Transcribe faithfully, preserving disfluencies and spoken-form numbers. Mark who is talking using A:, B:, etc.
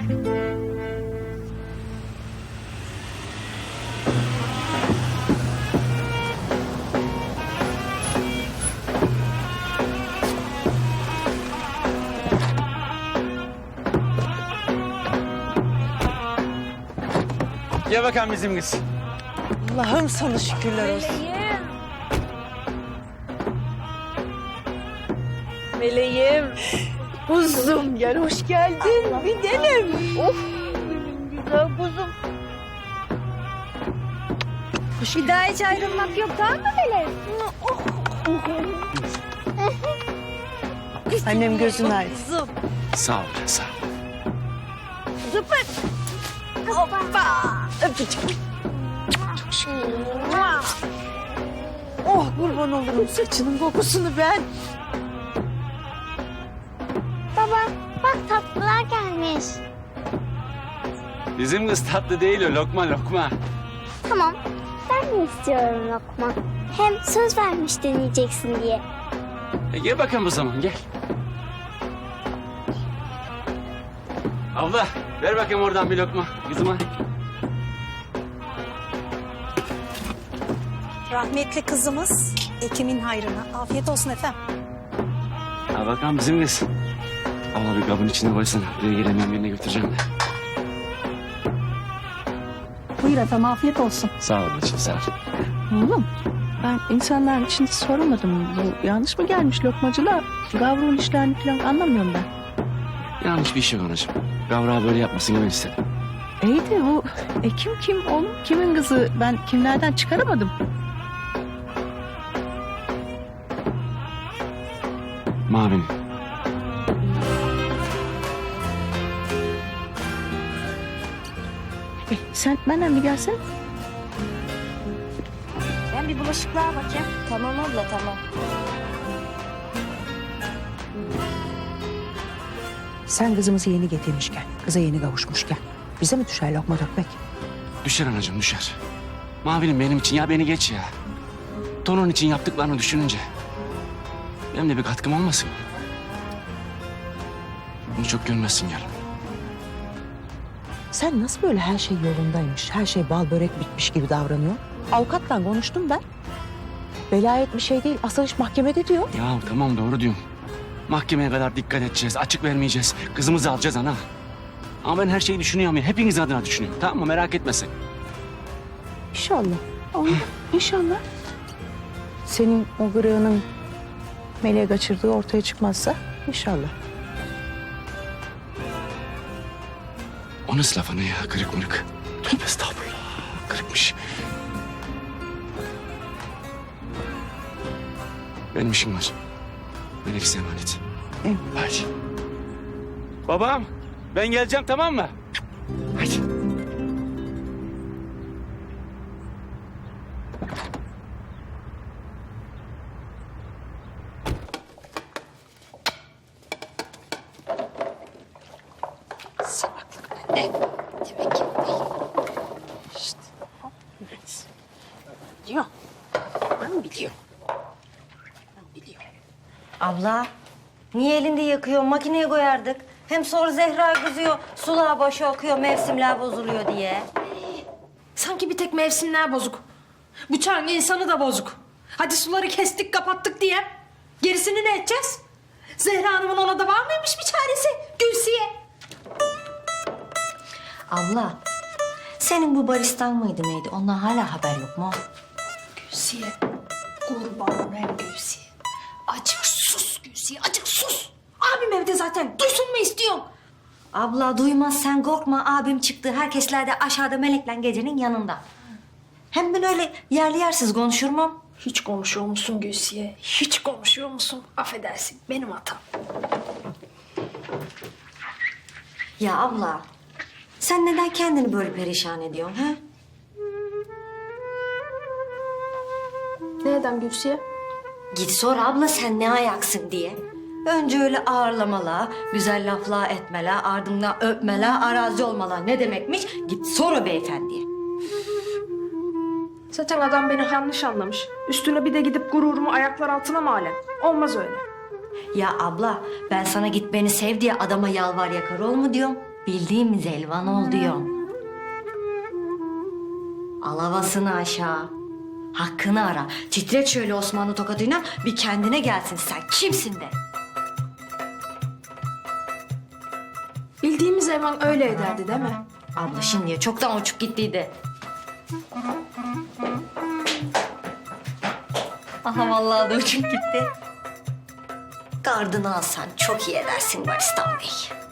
A: Gel bakalım bizim kız.
B: Allah'ım sana şükürler olsun.
C: Meleğim.
B: Kuzum gel hoş geldin. Bir denem.
C: Of. Benim güzel kuzum. Bir daha hiç ayrılmak yok, tamam mı Meleğim?
B: Annem gözün aydın.
C: Kuzum.
A: Sağ ol, sağ ol.
C: Zıpır. Hoppa. Öpücük.
B: Oh kurban olurum saçının kokusunu ben.
D: Baba bak tatlılar gelmiş.
A: Bizim kız tatlı değil o, lokma lokma.
D: Tamam ben de istiyorum lokma. Hem söz vermiş deneyeceksin diye.
A: E gel bakalım o zaman, gel. Abla, ver bakayım oradan bir lokma kızıma.
E: Rahmetli kızımız Ekim'in hayrına. Afiyet olsun efendim.
A: Ha bakalım bizim kız. Abla bir kabın içine koysana. Buraya gelemiyorum, yerine götüreceğim de.
E: Buyur efendim, afiyet olsun.
A: Sağ ol ablacığım, sağ ol.
B: Oğlum ben insanların içinde soramadım. Bu yanlış mı gelmiş lokmacılar? Gavrun işlerini falan anlamıyorum ben.
A: Yanlış bir iş yok anacığım. Gavrağı böyle yapmasını ben istedim.
B: İyi de bu Ekim kim oğlum? Kimin kızı? Ben kimlerden çıkaramadım.
A: Mavinin.
B: E, sen benden bir gelsene.
C: Ben bir bulaşıklığa bakayım. Tamam abla, tamam.
F: Sen kızımızı yeni getirmişken, kıza yeni kavuşmuşken bize mi düşer lokma dökmek?
A: Düşer anacığım, düşer. Mavinin benim için, ya beni geç ya. Tonun için yaptıklarını düşününce. Benim de bir katkım olmasın. Bunu çok görmezsin yarın.
F: Sen nasıl böyle her şey yolundaymış, her şey bal börek bitmiş gibi davranıyor? Avukatla konuştum ben. Velayet bir şey değil, asıl iş mahkemede diyor.
A: Ya tamam, doğru diyorsun. Mahkemeye kadar dikkat edeceğiz, açık vermeyeceğiz. Kızımızı alacağız ana. Ama ben her şeyi düşünüyorum ya, hepiniz adına düşünüyorum. Tamam mı? Merak etme sen.
F: İnşallah.
B: Oğlum inşallah.
F: Senin o gırığının meleğe kaçırdığı ortaya çıkmazsa inşallah.
A: O nasıl laf ana ya, kırık mırık? Tövbe estağfurullah, kırıkmış. Benim işim var. Melek size emanet.
F: Evet.
A: Hadi. Babam, ben geleceğim, tamam mı? Hadi.
G: Abla, niye elinde yakıyor? Makineye koyardık. Hem sonra Zehra kızıyor, sulağa başı akıyor, mevsimler bozuluyor diye.
H: Sanki bir tek mevsimler bozuk. Bıçağın insanı da bozuk. Hadi suları kestik kapattık diye. Gerisini ne edeceğiz? Zehra Hanım'ın ona da var mıymış bir çaresi? Gülsiye.
G: Abla, senin bu baristan mıydı neydi? Ondan hala haber yok mu?
H: Gülsiye. Kurban olayım Gülsiye. Acık sus Gülsiye, acık sus. Abim evde zaten. Duysun mu istiyorsun?
G: Abla duymaz sen korkma. Abim çıktı. Herkesler de aşağıda Melek'le gecenin yanında. Hem ben öyle yerli yersiz konuşur muyum?
H: Hiç konuşuyor musun Gülsiye? Hiç konuşuyor musun? Affedersin, benim hatam.
G: Ya abla, sen neden kendini böyle perişan ediyorsun ha?
H: Neden Gülsiye?
G: Git sor abla sen ne ayaksın diye. Önce öyle ağırlamalar, güzel laflar etmeler, ardından öpmeler, arazi olmalar ne demekmiş? Git sor o beyefendiye.
H: Zaten adam beni yanlış anlamış. Üstüne bir de gidip gururumu ayaklar altına mı alem? Olmaz öyle.
G: Ya abla ben sana git beni sev diye adama yalvar yakar ol mu diyorum? Bildiğimiz elvan ol diyorum. Alavasını aşağı. Hakkını ara. Titret şöyle Osmanlı tokadıyla bir kendine gelsin sen. Kimsin de?
H: Bildiğimiz Elvan öyle ederdi değil mi?
G: Abla şimdiye çoktan uçup gittiydi. Aha vallahi da uçup gitti. Gardını alsan çok iyi edersin Baristan Bey.